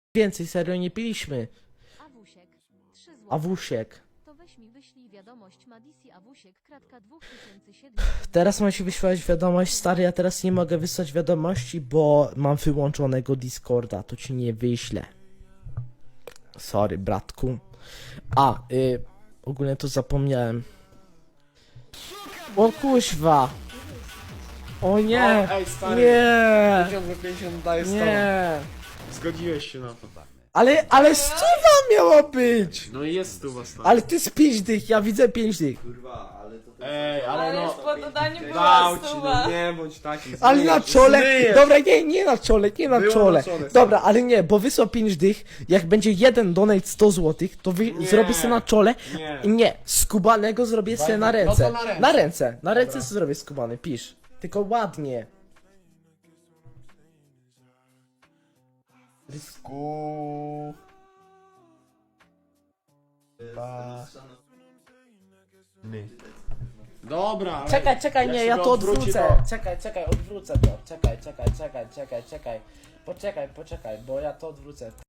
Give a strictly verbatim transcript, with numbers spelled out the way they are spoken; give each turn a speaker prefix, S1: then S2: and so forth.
S1: Więcej, serio nie piliśmy.
S2: Awusiek, trzy złote.
S1: Awusiek.
S2: To weź mi wyślij wiadomość Madisi Awusiek, kratka dwa tysiące siedemset.
S1: Teraz mam ci wyświadczyć wiadomość, stary, ja teraz nie mogę wysłać wiadomości, bo mam wyłączonego Discorda, to ci nie wyślę. Sorry, bratku. A, y, ogólnie to zapomniałem. O kuźwa! O nie!
S3: O, ej, stary.
S1: Nie!
S3: pięćdziesiąt za pięćdziesiąt daje sto.
S1: Nie!
S3: Zgodziłeś się na to.
S1: Ale, ale stuwa miała być!
S3: No i jest stuwa, stary.
S1: Ale ty z pięć dych, ja widzę pięć dych.
S4: Kurwa, ale to...
S3: Ej, ale
S5: Ale
S3: no...
S5: już po dodaniu była
S3: Dał ci,
S5: stuwa.
S3: no nie bądź taki.
S1: Ale na
S3: zmyjesz,
S1: czole,
S3: zmyjesz.
S1: dobra, nie, nie na czole, nie na
S3: Było
S1: czole.
S3: na czole, stary.
S1: Dobra, ale nie, bo wysłał pięć dych, jak będzie jeden donate sto złotych, to wy
S3: Nie.
S1: zrobię sobie na czole.
S3: Nie.
S1: Nie, skubanego zrobię sobie na
S3: no
S1: ręce.
S3: to na ręce.
S1: Na ręce, na ręce sobie zrobię skubany, pisz. Tylko ładnie.
S3: Rysku. Ba. My. Dobra, ale
S1: Czekaj, czekaj,
S3: jak
S1: nie,
S3: się
S1: ja
S3: go
S1: to
S3: odwróci,
S1: odwrócę. Czekaj, czekaj, odwrócę to. Czekaj, czekaj, czekaj, czekaj, czekaj. Poczekaj, poczekaj, bo ja to odwrócę.